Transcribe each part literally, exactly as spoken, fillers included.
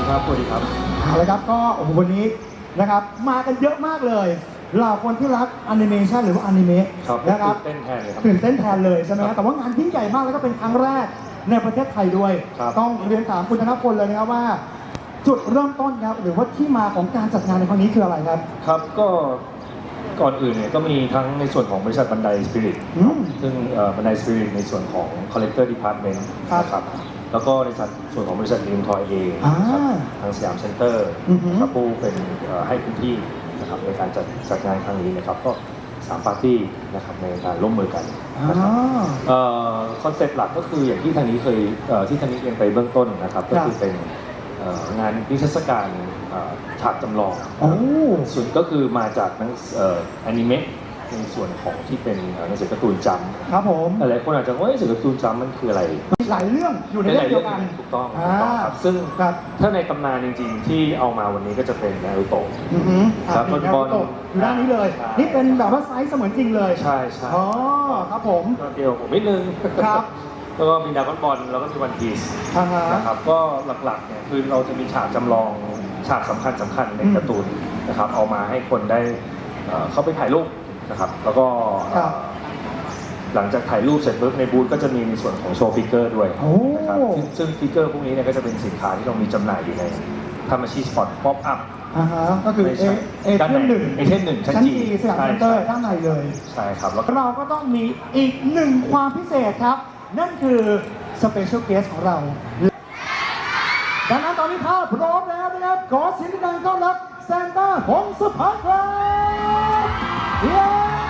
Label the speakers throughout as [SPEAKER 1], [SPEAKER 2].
[SPEAKER 1] ครับสวัสดีครับ
[SPEAKER 2] เอาละครับก็โอ้โหวันนี้นะครับมากันเยอะมากเลยเหล่าคนที่รักแอนิเมชันหรือว่าอนิเมะ
[SPEAKER 1] นะครับตื่นเต้นแทนเลยครับ
[SPEAKER 2] ตื่นเต้นแทนเลยใช่ไหมแต่ว่างานยิ่งใหญ่มากแล้วก็เป็นครั้งแรกในประเทศไทยด้วยต้องเรียนถามคุณธนพลเลยนะครับว่าจุดเริ่มต้นครับหรือว่าที่มาของการจัดงานในครั้งนี้คืออะไรครับ
[SPEAKER 1] ครับก็ก่อนอื่นเนี่ยก็มีทั้งในส่วนของบริษัทบันไดสปิริตซึ่งบันไดสปิริตในส่วนของ Collector Department นะครับแล้วก็ในส่วนของบริษัทนิวทอยเองทางสยามเซ็นเตอร์ครับผู้เป็นให้พื้นที่นะครับในการจัดจัดงานครั้งนี้นะครับก็สามปาร์ตี้นะครับในการร่วมมือกันนะครับคอนเซ็ปต์หลักก็คืออย่างที่ทางนี้เคยที่ทางนี้เรียนไปเบื้องต้นนะครับก็คือเป็นงานนิทรรศการฉากจำลองส่วนก็คือมาจากหนังอนิเมะในส่วนของที่เป็นหนังสือการ์ตูนจำ
[SPEAKER 2] ครับผม
[SPEAKER 1] หลายคนอาจจะว่าหนังสือการ์ตูนจำมันคืออะไร
[SPEAKER 2] หลายเรื่องอยู่ในเรื่องเดียวกัน
[SPEAKER 1] ถูกต้องครับซึ่งถ้าในตำนานจริงๆที่เอามาวันนี้ก็จะเป็นนารูโตะ
[SPEAKER 2] ครับนารูโตะอยู่ด้านนี้เลยนี่เป็นแบบว่าไซส์เสมือนจริงเลย
[SPEAKER 1] ใช่ใช่
[SPEAKER 2] อ๋อครับผม
[SPEAKER 1] เดียวผมนิดนึง
[SPEAKER 2] ครับ
[SPEAKER 1] แล้วก็มีดราก้อนบอลแล้วก็มีวันพีซนะครับก็หลักๆเนี่ยคือเราจะมีฉากจำลองฉากสำคัญสำคัญในการ์ตูนนะครับเอามาให้คนได้เข้าไปถ่ายรูปนะครับแล้วก็หลังจากถ่ายรูปเสร็จปุ๊บในบูธก็จะมีในส่วนของโชว์ฟิกเกอร์ด้วยนะครับซึ่งฟิกเกอร์พวกนี้เนี่ยก็จะเป็นสินค้าที่เรามีจำหน่ายอยู่ในทามาชิสปอร์ตป๊อปอัพ
[SPEAKER 2] ก็คือเอเอเทนหนึ่ง
[SPEAKER 1] เอเทนหนึ่งชั้นจี
[SPEAKER 2] สยามเซ็นเตอร์ด้านในเลย
[SPEAKER 1] ใช่ครับ
[SPEAKER 2] แล้วเราก็ต้องมีอีกหนึ่งความพิเศษครับนั่นคือสเปเชียลเกสของเราดังนั้นตอนนี้ภาพพร้อมแล้วนะครับขอเสียงดังต้อนรับซานต้าพงศพัฒน์ครับเย้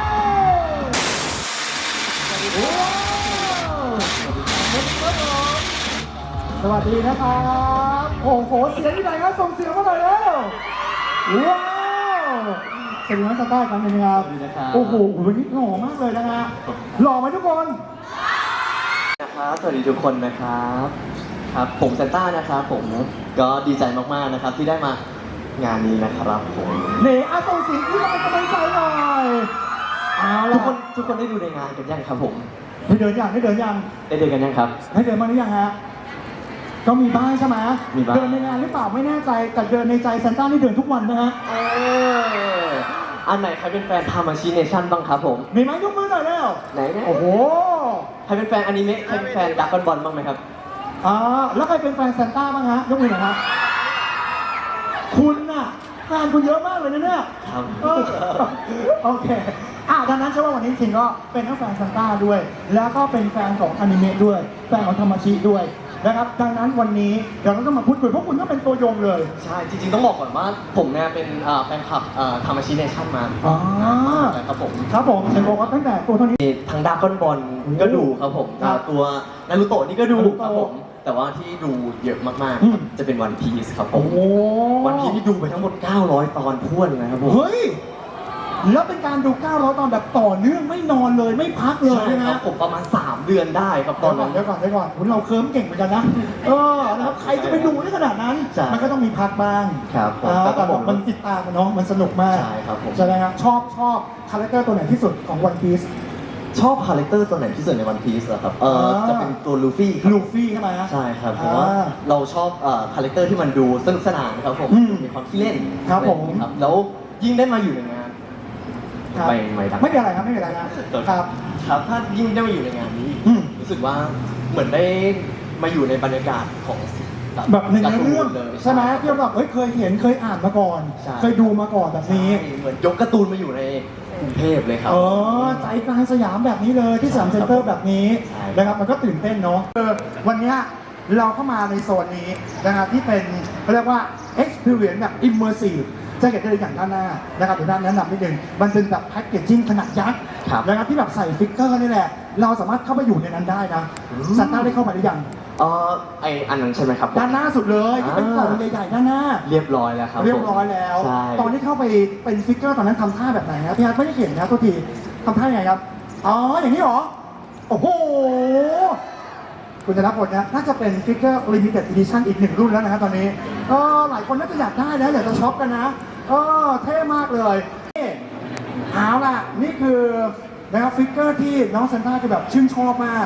[SPEAKER 2] สวัสดีนะครับโอ้โหเสียงที่ไหนครับส่งเสียงมาหน่อยแล้วว้าวสวัสดีครับซานต้าครับเป็นไงครับโอ้โหวันนี้หล่อมากเลยนะฮะหล่อไหมทุกคน
[SPEAKER 3] นะครับสวัสดีทุกคนนะครับครับผมซานต้านะครับผมก็ดีใจมากๆนะครับที่ได้มางานนี้นะครับผม
[SPEAKER 2] เนอาส่งเสียงที่เราเป็นกำลังใจหน่อย
[SPEAKER 3] ทุกคนทุกคนได้ดูในงานกันยังครับผม
[SPEAKER 2] ให้เดินยังให้เดินยัง
[SPEAKER 3] ได้เดินกันยังครับ
[SPEAKER 2] ให้เดินมาหรือยังฮะก็มีบ้างใช่ไหม
[SPEAKER 3] มีบ้าง
[SPEAKER 2] เดินในงานหรือเปล่าไม่แน่ใจแต่เดินในใจซานต้านี่เดินทุกวันนะฮะ
[SPEAKER 3] เอออันไหนใครเป็นแฟนทามาชิเนชั่นบ้างครับผม
[SPEAKER 2] มีไหมยกมือหน่อยแล้ว
[SPEAKER 3] ไหนเนี่ย
[SPEAKER 2] โอ้โห
[SPEAKER 3] ใครเป็นแฟนอนิเมะใครเป็นแฟนดราก้อนบอลบ้างไหมครับ
[SPEAKER 2] อ่าแล้วใครเป็นแฟนซานต้าบ้างฮะยกมือหน่อยครับคุณน่ะงานคุณเยอะมากเลยนะเนี่ย
[SPEAKER 3] ครับ
[SPEAKER 2] โอเคอ่ะดังนั้นเชื่อว่าวันนี้จริงก็เป็นทั้งแฟนซานต้าด้วยแล้วก็เป็นแฟนของอนิเมะด้วยแฟนของธรรมชิด้วยนะครับดังนั้นวันนี้เดี๋ยวเราต้องมาพูดคุยเพราะคุณก็เป็นตัวยงเลย
[SPEAKER 3] ใช่จริงๆต้องบอกก่อนว่าผมเนี่ยเป็นแฟนคลับธรรมชิเนชั่นมา
[SPEAKER 2] อ๋อ
[SPEAKER 3] ครับผม
[SPEAKER 2] ครับผมเห็นบอกว่าตั้งแต่ตัวเท่านี้
[SPEAKER 3] ทางดราก้อนบอลก็ดูครับผมตัวนารูโตะนี่ก็ดูครับผมแต่ว่าที่ดูเยอะมากๆจะเป็นวันพีซครับผมวันพีซที่ดูไปทั้งหมดเก้าร้อยตอนท้วนนะครับผม
[SPEAKER 2] เฮ้ยแล้วเป็นการดูเก้าร้อยตอนแบบต่อเนื่องไม่นอนเลยไม่พักเลย
[SPEAKER 3] นะครับผมประมาณสามเดือนได้ครับตอนนั้น
[SPEAKER 2] เดี๋ยวก่อนเดี๋ยวก่อนคุณเราเคิร์มเก่งเหมือนกันนะเออนะครับใครจะไปดูได้ขนาดนั้นมันก็ต้องมีพักบ้าง
[SPEAKER 3] ครับ
[SPEAKER 2] แต่บอกมันติดตามมันเนาะมันสนุกมาก
[SPEAKER 3] ใช่ครับผม
[SPEAKER 2] ใช่ไหมครับชอบชอบคาแรคเตอร์ตัวไหนที่สุดของวันพีซ
[SPEAKER 3] ชอบคาแรคเตอร์ตัวไหนที่สุดในวันพีซเหรอครับเออจะเป็นตัวลูฟี่
[SPEAKER 2] ลูฟี่ใช่ไหม
[SPEAKER 3] ใช่ครับเพราะว่าเราชอบคาแรคเตอร์ที่มันดูสนุกสนานครับผมมีความขี้เล่น
[SPEAKER 2] ครับผม
[SPEAKER 3] แล้วยิ่งได้มาอยู่ในงาน
[SPEAKER 2] ไม่ไม่ไม่เป็นไรครับไม่เป็นไรครับครับ
[SPEAKER 3] ครับถ้ายิ่งได้มาอยู่ในงานนี้รู้สึกว่าเหมือนได้มาอยู่ในบรรยากาศของ
[SPEAKER 2] แบบในเรื่องใช่ไหมที่เราแบบเฮ้ยเคยเห็นเคยอ่านมาก่อนเคยดูมาก่อนแบบนี้
[SPEAKER 3] เหมือนยกการ์ตูนมาอยู่ในกรุงเทพเลยครับ
[SPEAKER 2] เออใจกลางสยามแบบนี้เลยที่สยามเซ็นเตอร์แบบนี้นะครับมันก็ตื่นเต้นเนาะวันนี้เราเข้ามาในโซนนี้นะครับที่เป็นเขาเรียกว่า experience แบบ immersiveจะเห็นได้อย่างด้านหน้านะครับเดี๋ยวด้านแนะนำนิดนึงมันเป็นแบบแพ็กเกจจิ้งขนาดยักษ์นะครับที่แบบใส่ฟิกเกอร์นี่แหละเราสามารถเข้าไปอยู่ในนั้นได้นะซานต้าได้เข้ามาหรือยัง
[SPEAKER 3] อ๋อไออันนั้นใช่ไหมครับ
[SPEAKER 2] ด้านหน้าสุดเลยที่เป็นกล่องใหญ่ๆด้านหน้า
[SPEAKER 3] เรียบร้อยแล้วครับ
[SPEAKER 2] เรียบร้อยแล้วตอนที่เข้าไปเป็นฟิกเกอร์ตอนนั้นทำท่าแบบไหนครับพี่อาร์ตไม่ได้เห็นนะตัวทีทำท่ายังไงครับอ๋ออย่างนี้หรอโอ้โหคุณจะรับผลนะน่าจะเป็นฟิกเกอร์ limited edition อีกหนึ่งรุ่นแล้วนะครับตอนนี้ก็หลายคนน่าจะอยากได้แล้วอยากจะช็อปกันนะเออเท่มากเลยเอาล่ะนี่คือนะครับฟิกเกอร์ที่น้องซานต้าคือแบบชื่นชอบมาก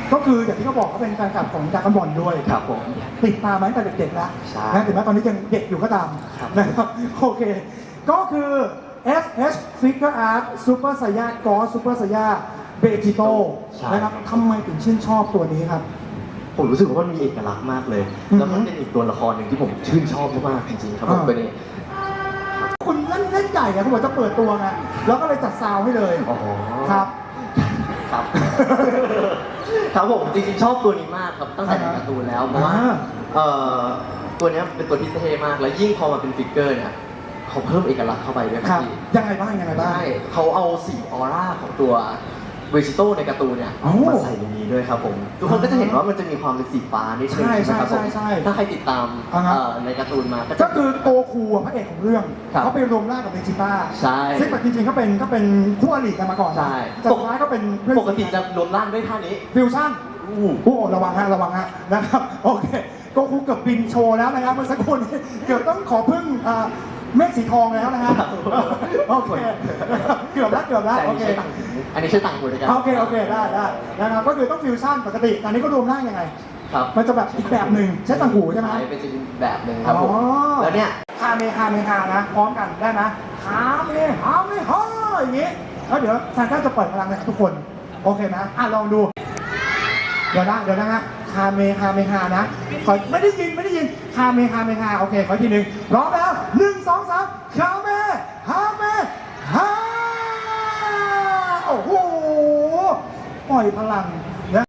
[SPEAKER 2] ก็คืออย่างที่เขาบอกเขาเป็นแฟนคลับของดราก้อนบอลด้วย
[SPEAKER 3] ครับผม
[SPEAKER 2] ติดตามมาตั้งแต่เด็กๆแล้ว
[SPEAKER 3] ใช่
[SPEAKER 2] นะถึงแม้ตอนนี้ยังเด็กอยู่ก็ตาม
[SPEAKER 3] ครับ
[SPEAKER 2] นะครับโอเค ก็คือ เอส เอช Figure Art Super Saiyan God Super Saiyan Vegito
[SPEAKER 3] ใช่
[SPEAKER 2] นะครับทำไมถึงชื่นชอบตัวนี้ครับ
[SPEAKER 3] ผมรู้สึกว่ามันมีเอกลักษณ์มากเลย
[SPEAKER 2] อือฮึ
[SPEAKER 3] แล้วมันเป็นอีกตัวละครหนึ่งที่ผมชื่นชอบมากๆจริงๆครับผม
[SPEAKER 2] อ่า
[SPEAKER 3] ตัวนี้
[SPEAKER 2] คุณเล่นเล่นใหญ่ไงคุณบอกจะเปิดตัวไงแล้วก็เลยจัดซาวให้เลย
[SPEAKER 3] อ๋อ
[SPEAKER 2] ครับ
[SPEAKER 3] ครับ ครับผมจริงๆชอบตัวนี้มากครับตั้งแต่ในการ์ตูนแล้วเพราะว่า
[SPEAKER 2] อ่า
[SPEAKER 3] เอ่อตัวเนี้ยเป็นตัวที่เท่มากแล้วยิ่งพอมาเป็นฟิกเกอร์เนี่ยเขาเพิ่มเอกลักษณ์เข้าไปด้วย
[SPEAKER 2] ค
[SPEAKER 3] ค
[SPEAKER 2] รั
[SPEAKER 3] รั
[SPEAKER 2] บบ
[SPEAKER 3] พี่
[SPEAKER 2] ยังไงบ้างยังไงบ้าง
[SPEAKER 3] ใช่เขาเอาสีออร่าของตัวเวจิโต้ในการ์ตูนเนี่ย
[SPEAKER 2] โอ้
[SPEAKER 3] มาใส่ในนี้ด้วยครับผมทุกคนก็จะเห็นว่ามันจะมีความเป็นสีฟ้านิดนึง
[SPEAKER 2] ใช่
[SPEAKER 3] ใช่ไหมครับผม
[SPEAKER 2] ใช่ใช่ใช่
[SPEAKER 3] ถ้าใครติดตาม
[SPEAKER 2] อ่าฮะ
[SPEAKER 3] เอ่อในการ์ตูนมาก็
[SPEAKER 2] ก็
[SPEAKER 3] จะ
[SPEAKER 2] คือโกคูอะพระเอกของเรื่อง
[SPEAKER 3] ครับ
[SPEAKER 2] เขาไปรวมร่างกับเบจิต้า
[SPEAKER 3] ใช่
[SPEAKER 2] ซึ่งแบบจริงๆเขาเป็นก็เป็นคู่อริกันมาก่อนนะ
[SPEAKER 3] ใช่
[SPEAKER 2] แต่สุดท้ายก็เป็นเพื่อน
[SPEAKER 3] ปกติจะรวมร่างด้วยท่านี้
[SPEAKER 2] ฟิวชั่น
[SPEAKER 3] อู้
[SPEAKER 2] โอ้ระวังฮะระวังฮะนะครับโอเคโกคูเกือบบินโชว์แล้วนะครับเมื่อสักครู่นี้เกือบต้องขอพึ่งอ่าเมฆสีทองแล้วนะฮะโอเคนะครับเกือบแล้วเกือบแล้ว
[SPEAKER 3] แต่อั
[SPEAKER 2] โอน
[SPEAKER 3] นี้
[SPEAKER 2] เค
[SPEAKER 3] ใช้ต่างหูอันนี้ใช้ต่างหูด้วยกัน
[SPEAKER 2] โอเคโอเคได้ได้นะครับก็คือต้องฟิวชั่นปกติแต่อันนี้ก็รวมร่างยังไง
[SPEAKER 3] ครับ
[SPEAKER 2] มันจะแบบอีกแบบหนึ่งใช้ต่างหูใช่ไหม
[SPEAKER 3] ใช่เป็นจะเป็นแบบหนึ่งครับผม
[SPEAKER 2] อ๋อ
[SPEAKER 3] แล้วเนี่ย
[SPEAKER 2] คาเมคาเมคานะพร้อมกันได้ไหมคาเมคาเมฮาอย่างงี้แล้วเดี๋ยวซานต้าจะปล่อยพลังเลยครับทุกคนโอเคนะอ่ะลองดู เดี๋ยวนะเดี๋ยวนะฮะคาเมคาเมคานะขอไม่ได้ยินไม่ได้ยินคาเมคาเมคาโอเคขออีกทีหนึ่งพร้อมแล้วหนึ่งสองสามคาเมคาเมฮาโอ้โหปล่อยพลัง